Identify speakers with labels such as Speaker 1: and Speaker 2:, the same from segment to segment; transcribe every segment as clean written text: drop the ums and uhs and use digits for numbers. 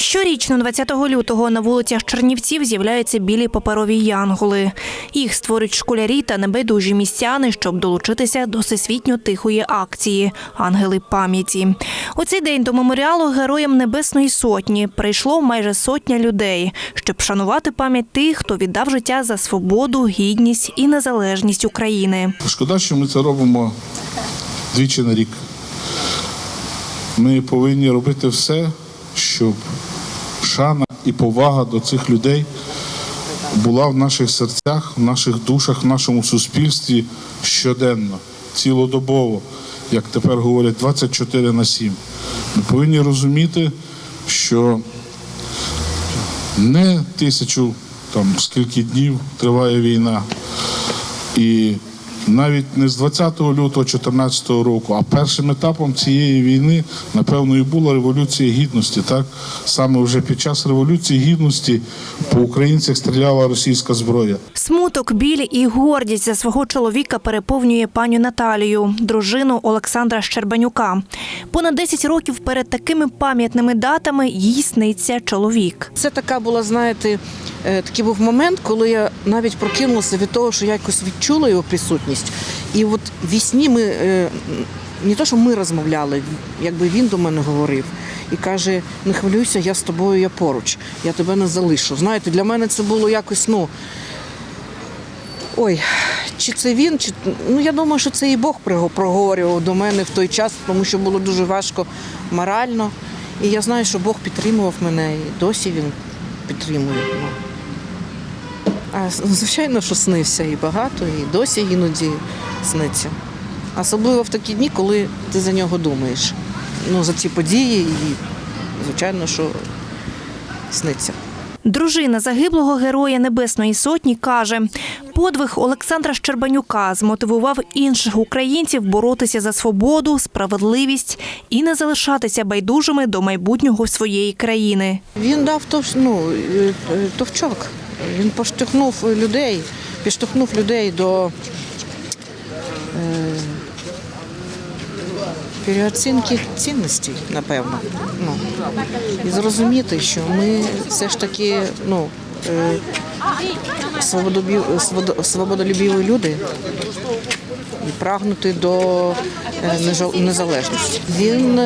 Speaker 1: Щорічно 20 лютого на вулицях Чернівців з'являються білі паперові янголи. Їх створюють школярі та небайдужі містяни, щоб долучитися до всесвітньо тихої акції «Ангели пам'яті». У цей день до меморіалу Героям Небесної Сотні прийшло майже сотня людей, щоб вшанувати пам'ять тих, хто віддав життя за свободу, гідність і незалежність України.
Speaker 2: Шкода, що ми це робимо двічі на рік. Ми повинні робити все, щоб шана і повага до цих людей була в наших серцях, в наших душах, в нашому суспільстві щоденно, цілодобово, як тепер говорять, 24/7. Ми повинні розуміти, що не 1000 скільки днів триває війна, і навіть не з 20 лютого 2014 року, а першим етапом цієї війни, напевно, і була Революція Гідності. Так? Саме вже під час Революції Гідності по українцях стріляла російська зброя.
Speaker 1: Смуток, біль і гордість за свого чоловіка переповнює пані Наталію, дружину Олександра Щербанюка. Понад 10 років перед такими пам'ятними датами їй сниться чоловік.
Speaker 3: Це така була, знаєте, такий був момент, коли я навіть прокинулася від того, що я якось відчула його присутність. І от в сні ми, не то, що ми розмовляли, якби він до мене говорив. І каже, не хвилюйся, я з тобою, я поруч, я тебе не залишу. Знаєте, для мене це було якось, чи це він, я думаю, що це і Бог проговорював до мене в той час, тому що було дуже важко морально. І я знаю, що Бог підтримував мене, і досі він підтримує. А звичайно, що снився і багато, і досі іноді сниться. Особливо в такі дні, коли ти за нього думаєш. За ці події, і звичайно, що сниться.
Speaker 1: Дружина загиблого Героя Небесної Сотні каже, подвиг Олександра Щербанюка змотивував інших українців боротися за свободу, справедливість і не залишатися байдужими до майбутнього своєї країни.
Speaker 3: Він дав товчок, він підштовхнув людей до переоцінки цінностей, напевно. І зрозуміти, що ми все ж таки свободолюбиві люди і прагнути до незалежності. Він,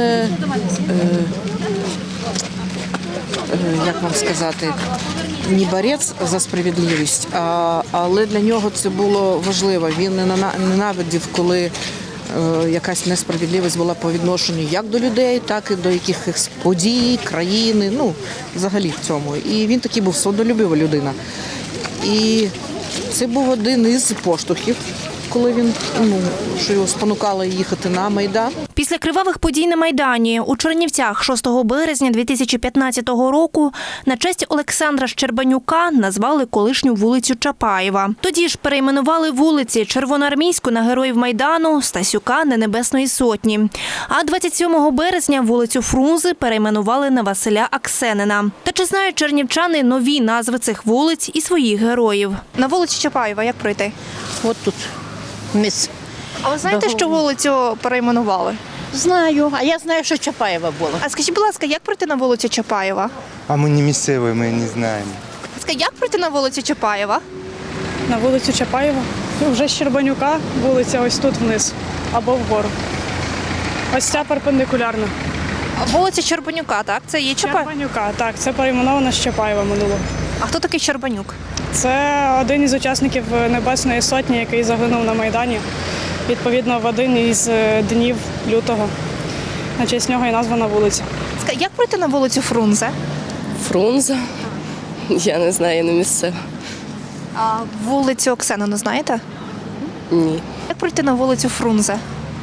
Speaker 3: як вам сказати, не борець за справедливість, але для нього це було важливо. Він ненавидів, коли якась несправедливість була по відношенню як до людей, так і до якихось подій, країни, взагалі в цьому. І він такий був свободолюбива людина. І це був один із поштовхів, коли він, що його спонукало їхати на Майдан.
Speaker 1: Після кривавих подій на Майдані у Чернівцях 6 березня 2015 року на честь Олександра Щербанюка назвали колишню вулицю Чапаєва. Тоді ж перейменували вулиці Червоноармійську на Героїв Майдану, Стасюка на Небесної Сотні. А 27 березня вулицю Фрунзи перейменували на Василя Аксенина. Та чи знають чернівчани нові назви цих вулиць і своїх героїв? На вулиці Чапаєва як пройти?
Speaker 4: От тут міс.
Speaker 1: А ви знаєте, що вулицю перейменували?
Speaker 4: Знаю, а я знаю, що Чапаєва була.
Speaker 1: А скажіть, будь ласка, як пройти на вулицю Чапаєва?
Speaker 5: А ми не місцеві, ми не знаємо.
Speaker 1: Скажіть, як пройти на вулицю Чапаєва?
Speaker 6: На вулицю Чапаєва? Вже з Щербанюка вулиця ось тут вниз або вгору. Ось ця перпендикулярна.
Speaker 1: Вулиця Щербанюка, так? Це є Чапаєва?
Speaker 6: Щербанюка, так, це перейменовано з Чапаєва минуло.
Speaker 1: А хто такий Щербанюк?
Speaker 6: Це один із учасників Небесної Сотні, який загинув на Майдані. Відповідно, в один із днів лютого. На честь нього і названа вулиця.
Speaker 1: Як пройти на вулицю Фрунзе?
Speaker 7: Фрунзе? Я не знаю, я не місцева.
Speaker 1: А вулицю Оксенину знаєте?
Speaker 7: Ні.
Speaker 1: Як пройти на вулицю Фрунзе?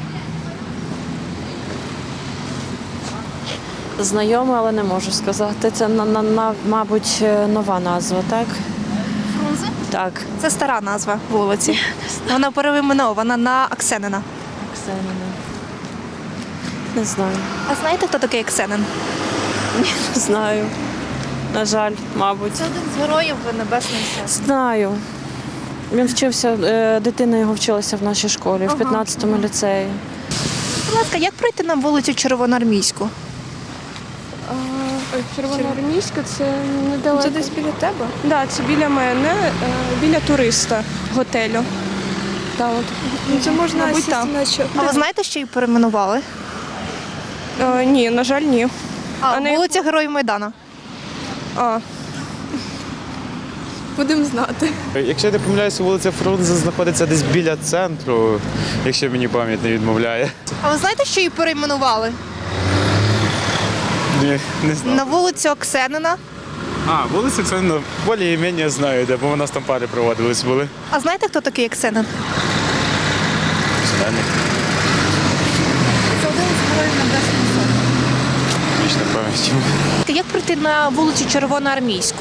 Speaker 8: Знайома, але не можу сказати. Це, мабуть, нова назва, так?
Speaker 1: Фрунзе?
Speaker 8: Так.
Speaker 1: Це стара назва вулиці. Вона перейменована на Аксенина.
Speaker 8: Аксенина. Не знаю.
Speaker 1: А знаєте, хто такий Аксенин?
Speaker 8: Ні, не знаю. На жаль, мабуть.
Speaker 1: Це один з героїв Небесної Сотні.
Speaker 8: Знаю. Він вчився, дитина його вчилася в нашій школі, в 15-му ліцеї.
Speaker 1: Будь ласка, як пройти на вулицю Червоноармійську?
Speaker 9: Червоноармійська це недалеко.
Speaker 6: Це десь біля тебе? Так, да, це біля мене, біля туриста готелю. Да, от.
Speaker 9: Це можна
Speaker 6: Мабуть,
Speaker 9: сісти
Speaker 6: так.
Speaker 9: на що.
Speaker 1: А ви знаєте, що її перейменували?
Speaker 6: Ні, на жаль, ні.
Speaker 1: А,
Speaker 6: на
Speaker 1: вулиця Героїв Майдану.
Speaker 6: А,
Speaker 9: Будемо знати.
Speaker 10: Якщо я не помиляюся, вулиця Фрунзе знаходиться десь біля центру, якщо мені пам'ять не відмовляє.
Speaker 1: А ви знаєте, що її перейменували?
Speaker 10: Ні, не знаю.
Speaker 1: На вулицю Оксенина.
Speaker 10: А, вулиця це більш-менш знаю, де, бо у нас там пари проводились були.
Speaker 1: А знаєте, хто такий Оксенин?
Speaker 10: Знаю.
Speaker 1: Це один з героїв Небесної Сотні.
Speaker 10: Ніч не пам'яті.
Speaker 1: Як прийти на вулицю Червоноармійську?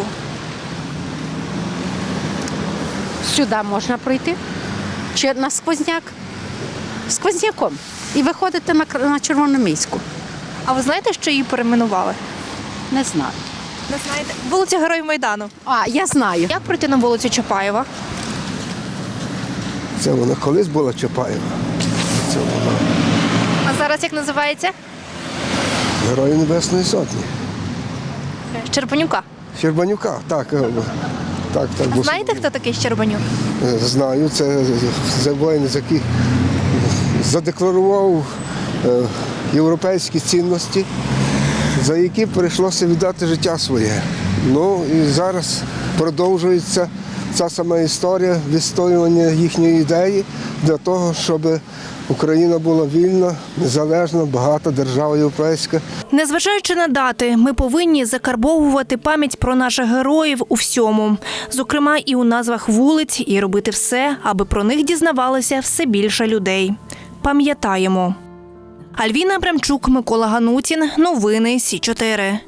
Speaker 4: Сюди можна пройти. Чи на сквозняк? Сквозняком. І виходити на Червономіську.
Speaker 1: А ви знаєте, що її перейменували?
Speaker 4: Не знаю.
Speaker 1: Не знаєте? Вулиця Героїв Майдану.
Speaker 4: А, я знаю.
Speaker 1: Як прийти на вулицю Чапаєва?
Speaker 11: Це вона колись була Чапаєва. Це вона
Speaker 1: А зараз як називається?
Speaker 11: Герої Небесної Сотні.
Speaker 1: Щербанюка.
Speaker 11: Щербанюка, так. Так,
Speaker 1: А
Speaker 11: бо
Speaker 1: знаєте, хто такий Щербанюк?
Speaker 11: знаю, це воїн, який задекларував європейські цінності, за які прийшлося віддати життя своє. Ну і зараз продовжується ця сама історія відстоювання їхньої ідеї для того, щоб Україна була вільна, незалежна, багата держава європейська.
Speaker 1: Незважаючи на дати, ми повинні закарбовувати пам'ять про наших героїв у всьому. Зокрема, і у назвах вулиць, і робити все, аби про них дізнавалося все більше людей. Пам'ятаємо. Альвіна Абрамчук, Микола Ганутін. Новини Сі 4.